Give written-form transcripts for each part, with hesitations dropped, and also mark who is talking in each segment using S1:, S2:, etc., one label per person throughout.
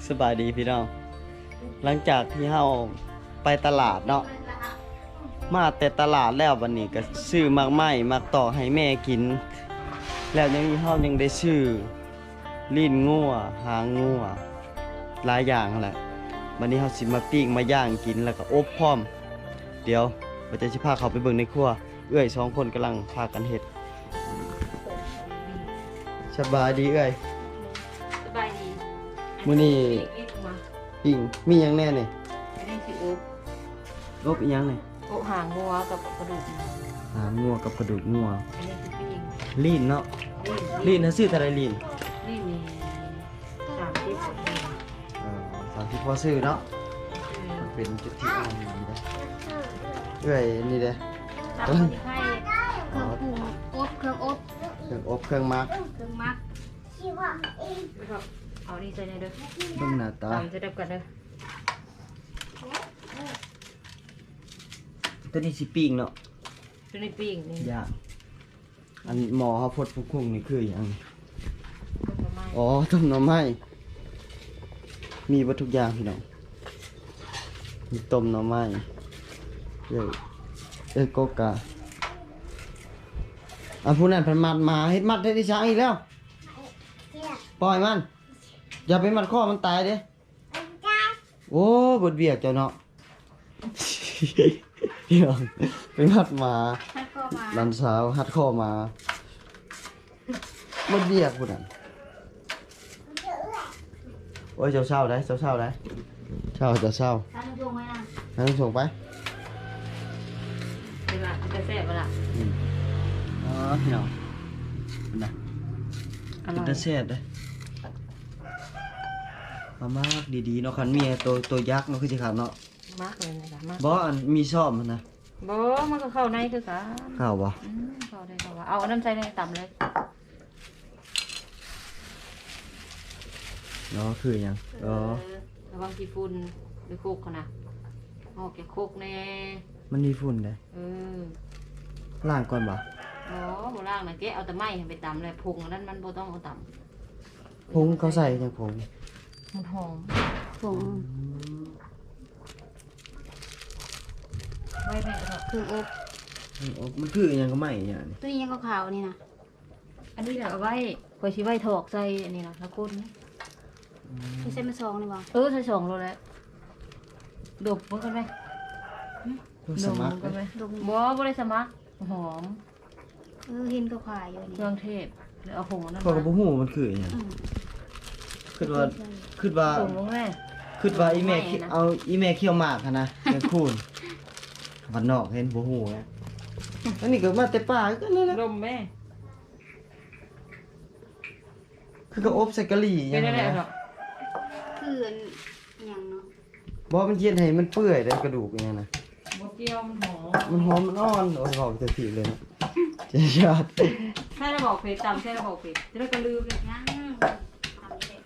S1: สบายดีพี่น้องหลังจากที่เฮาไปตลาดเนาะมาแต่ตลาดแล้ววันนี้ก็ซื้อมากไม้มากต่อให้แม่กินแล้วยังมีเฮายังได้ซื้อลิ้นงัวหางงัวหลายอย่างแหละวันนี้เฮาสิมาปิ้งมาย่างกินแล้วก็อบพร้อมเดี๋ยวเราจะสิพาเขาไปเบิ่งในครัวเอื้อย2คนกำลังพากันเฮ็ดสบายดีเอื้อย
S2: สบายดี
S1: มื้อนี้
S2: อีกมา
S1: ปิ้งมีหยังแน่นี่
S2: อันนี้สิอบ
S1: อบอีหยังนี่
S2: อบหางงัวกับกระดูก
S1: หางงัวกับกระดูกงัว
S2: อันนี้คือปิ้ง
S1: ลีนเนาะลีนนะซื้อเท่าไรลีน
S2: นี่มี30กว่าปี
S1: 30พอซื้อเนาะเป็นจุดที่อันนี้ได้เอ้ยนี่เด้
S2: ตามที่ให้
S3: เครื่องปรุงอบเครื่องอบ
S1: เครื่องอบเครื่องมัก
S3: เครื่องมัก
S2: ครับเอานี่ใส่ในเด้อ
S1: เบิ่งหน้าตา
S2: ตามจะดับกันเด้อ
S1: ตัวนี้สิปิ้งเนาะ
S2: ตัวนี้ปิ้งนี่
S1: ย่างอันหมอเฮาพดพุ่งๆนี่คือหยัง
S2: ประมาณ
S1: อ๋อต้มหน่อไม้มีบ่ทุกอย่างพี่น้องมีต้มหน่อไม้โกกาอันผู้นั้นเพิ่นมัดมาเฮ็ดมัดให้ดิฉันอีกแล้วปล่อยมันอย่าไปมัดคอมันตายเด้โอ้บดเบียกเจ้าเนาะ เดี๋ยวไปมัดมา
S3: ถ้าเข้ามา
S1: ลันสาวหัดคอมาบดเบียกผู้นั้นโอ้ยเจ้าเศร้าได้เจ้าเศร้าได้เศร้าเศร้า
S3: ถ้าลงไว้นะ
S1: ให้ส่งไป
S2: เวลาจะแซ่บเวลา
S1: อ๋อพี่น้องนะ
S2: อ
S1: เป็น
S2: ร่อย
S1: ตาแซ่บเด้มามากดีๆเนาะคันเมียตัวยักษ์เนาะคือสิครับเนาะ
S2: มากเลยนะมาก
S1: บ่อันมีซ่อมมันนะ
S2: บ่มันก็เข้าในคือกัน
S1: ข้าวบ่
S2: เข้าได้เข้าว่าเอาอันนั้นใส่ในต่ำเลย
S1: เนาะคือหยังอ๋อ
S2: ระวังขี้ฝุ่นหรือโคกเขานะออกแกโคกแน่
S1: มันมีฝุ่นเด้
S2: เออ
S1: ล้างก่อนบ่
S2: อ๋อโบราณนะแกเอาแต่ไม้ไปตำเลยพุงอันนั้นมันโบต้องเอาตำ
S1: ผงเขาใส่จังผง
S2: มันหอม
S3: ผง
S2: ไว้แม่ก็
S3: เครื่องอบ
S1: มันคือหยังก็ไม่หยังนี่
S3: ตัวนี้ยังขาวๆนี่นะ
S2: อันนี้แหละเอาไว้คอยชิไว้ถอกใส่อันนี้นะแล้วก้นนี่
S3: ที่เส้นมาซองนี่บ่
S2: ใส่สองโลแล้วดบมันกันไหม
S1: ตัว
S2: ด
S1: ส
S2: บ
S1: มั
S2: มั
S1: คร
S2: นกันไหม
S3: ดม
S2: บ่ได้สมัครหอม
S3: เห็นขาวๆอยู่นี่
S2: เครื่องเทศหรือเอาผงอันนั้น
S1: ข้อยก็บ่
S2: มา
S1: ฮู้มันคือหยัง
S3: อืม
S1: คิดว่าคิดว่า
S2: ผงลงแม่
S1: คิดว่าอีแม่
S2: ไม่นะ
S1: เอาอีแม่เคี่ยวหมากหั้นนะแม่คูณวันนอกเห็นบ่ฮู้นะอันนี้ก็มาแต่ป่าก็นั่นแหละ
S2: ดมแม่
S1: คือก็อบใส่กะหรี่ห
S2: เป็
S1: ยั
S2: น
S1: ง
S2: อะไร
S1: นะ
S2: หรอก
S3: คืออันหยังเนาะ
S1: บ่มันเย็นให้มันเปื่อยได้กระดูกอย่างนั้นนะ
S2: บเกี่ยวมันหอม
S1: มันหอมมันอ่อนโอ้ยบอกจะผิดเลยนะเจ๊ยอด
S2: ใช่ระบอกเผ็ดตำใช่ระบอกเผ็ดจะได้กระลืมเลย
S3: ยังทำเด็ด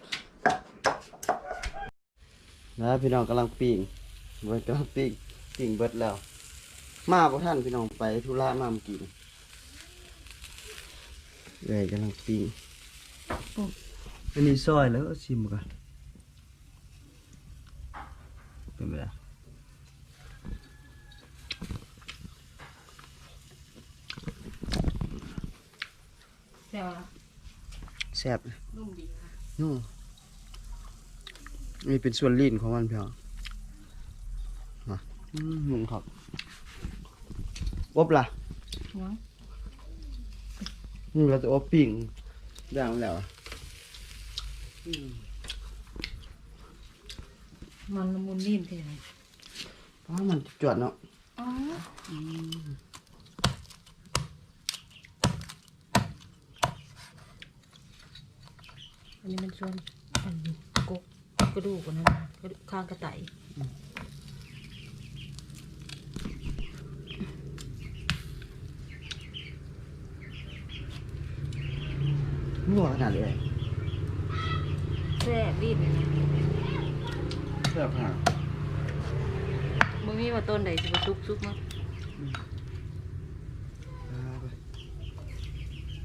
S1: นะพี่น้องกำลังปิ้งเบิดกำลังปิ้งเบิดแล้ว มาบ่ท่านพี่น้องไปธุระมาเมื่อกี้นี่เลยกำลังปิ้งอันนี้ซอยแล้วก็ชิมก่อนเป็นไง
S2: แซ่บละ
S1: แซ่บเลย
S2: นุ่มดีค่ะ
S1: นู่นนี่เป็นส่วนลิ้นของมันพี่น้องมานุ่มครับอบล่ะ
S2: ยัง
S1: นี่เราจะอบปิ้งย่างมันแล้วอะ
S2: มันละมุนนิ่มทีไหน
S1: เพราะมันจวดเนาะ
S2: อ๋ออันนี้มันส่วนอันนี้กกระดูกอันนั้นกระดูกข้างกระไต
S1: นัวขนาดเลย
S2: แซ่บรีบเลยนะ
S1: แซ่บห่า
S2: มึงมีว่าต้นใดสิบซุกมั้ง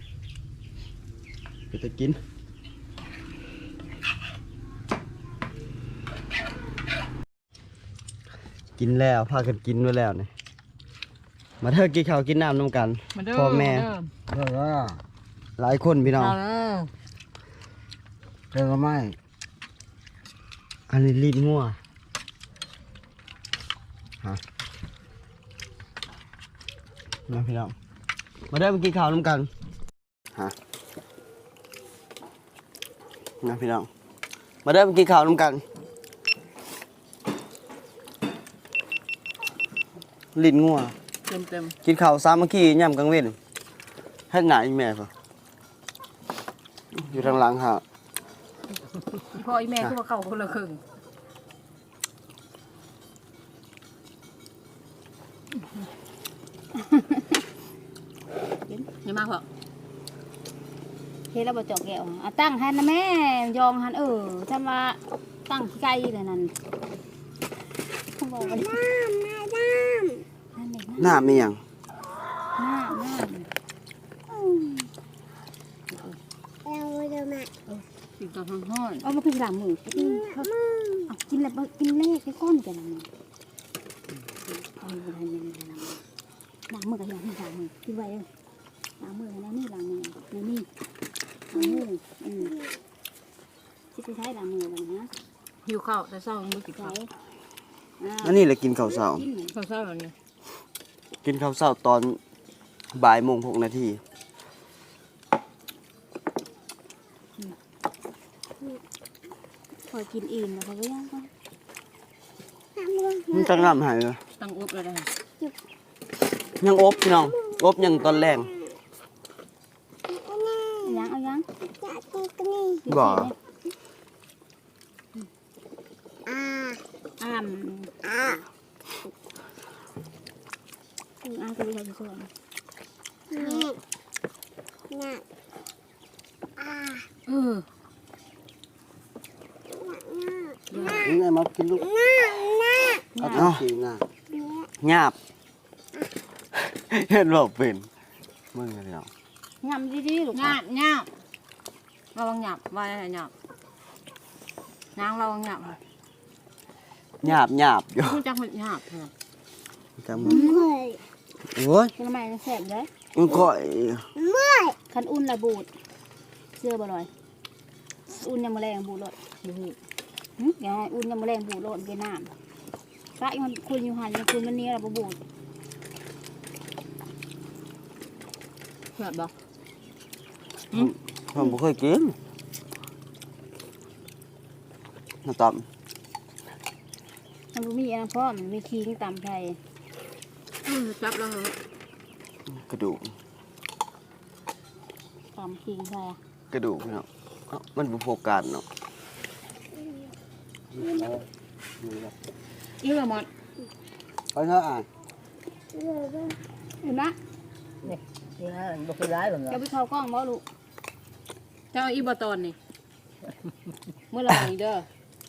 S1: ไปจะกินกินแล้วพากันกินไว้แล้วนี่มาเถอะกินข้าวกินน้ำนำกัน
S2: มาเด้อ
S1: พ่อแม่
S2: เด้อ
S1: หลายคนพี่น้อง
S2: เอาแล้ว
S4: เจอก็ไม่
S1: อันนี้ลิ้นงัวฮะมาพี่น้องมาเด้อมากินข้าวน้ำกันฮะมาพี่น้องมาเด้อมากินข้าวน้ำกันลิ้นงัว
S2: เต็มเต็ม
S1: กินข้าวสามัคคีย่ำกลางเว้นให้หนาอีแม่ป่ะอยู่ทางหลังฮะ
S2: พ่ออีแม่คือว่าเข้าคนละครึ่งนี่มากพอ
S3: เฮ็ดแล้วบ่จอกแก้วอ่ะตั้งหันนะแม่ยองหันจำว่าตั้งไกลเลยนั่นเขาบอกว่าน้ำ
S1: หน้ามีอย่าง
S2: กินกับข้าวห้อน
S3: เอามากินหลังหมูกินเอากินแล้วกินเลขไปก้อนกันนะเอาไปทำยังไงหลังมือกับหลังมือกินไว้เลยหลังมือนะนี่หลังมือนี่หลังมือที่ใช้หลังมือแบบนี้
S2: หิวข้าวแต่เช้ายังไม่กิน
S3: ใช้
S2: ข้าว
S1: อันนี้แหละกินข้าวเช้า
S2: ข้าวเช้าแบบนี้
S1: กินข้าวเช้าตอนบ่ายโมง6 นาที
S3: พอกินอิ่มแล้วเขาก็ย่างก็
S1: มันจะงามหายเลย
S2: ตั้งอบเลยนะ
S1: ยังอบพี่น้องอบยังตอนแรง
S3: ย่างเอาย่าง
S1: บ่
S3: อ้ามก็ได้ส่วน
S1: นี่ไงมากินลูกเอาเอากินหน้าหยาบเห็นบอกเป็นมึงอะไรเนาะ
S3: ยำดีๆลูก
S2: หยาบหยาบระวังหยาบว่าอะไรหยาบนางระวังหยาบ
S1: หยาบหยาบอยู่
S2: คุณจักมันหยาบเหรอ
S1: จำมึงโอ้ย
S3: ทำไมแสบเลย
S1: มันก็
S3: คันอุ่นละบูดเสื้อบ่ลอยอุ่นยังมาแรงบูดรถอย่าให้อุ่นยังมาแรงบูดรถเป็นน้ำพระมันคุณอยู่หันคุณมันนี้เราบูด
S2: หยาบบ่
S1: ผมไม่เคยกินน้ำต
S3: มันมีอันพ่อมันมีคิงตำไทย
S2: จับแล้วเหรอก
S1: ระดูก
S3: ตำคิงไทย
S1: กระดูกพี่น้องเอ้ามันเป็นโฟกัสเนาะ
S2: นี่ละหมด
S1: ไปเถอะอ่ะ
S3: เห็นไหม
S4: นี่ฮะบุกร้ายแบบ
S3: จะไปเข้ากล้องบ่ลูก
S2: เจ้าอีบตอนนี่เมื่อไหร่เด้อ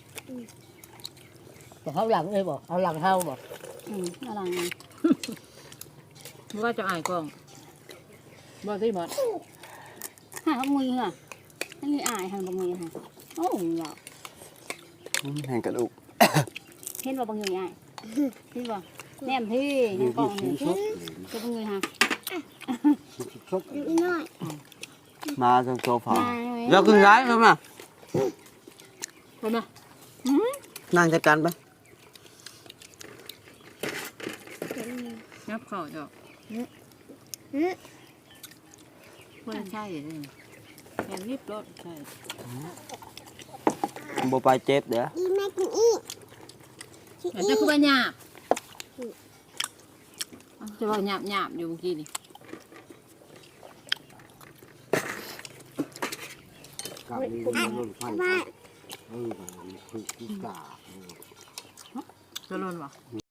S4: เขาหลังเลยบอกเอาหลังเท้าบอก
S3: อะไรไง
S2: เมื่อว่าจะอายกล้องบ่ที่หมด
S3: หาขโมยเหรอไม่มีอายหันขโมยค่ะโอ้ยเหรอ
S1: แห่งกระดูก
S3: เห็นว่าบางอย่างไงเห็นว่าแนมที่ในกล้องนี่จะบางอย่างค่ะ
S1: มาทางโซฟาแล้วขึ้นร้ายครับมา
S2: ไปไหม
S1: นั่งจัดการไป
S2: งับเข่าจ้ะไม่ใช่เลยแอนรีบรถใช่
S1: โบไปเจ็บเด้อ
S2: แต่จะคือว่าหยาบจะว่าหยาบหยาบอยู่เมื่อกี้นี่
S4: กับมีรุ่นพันธุ์คือที่กา
S2: จะร้อนวะ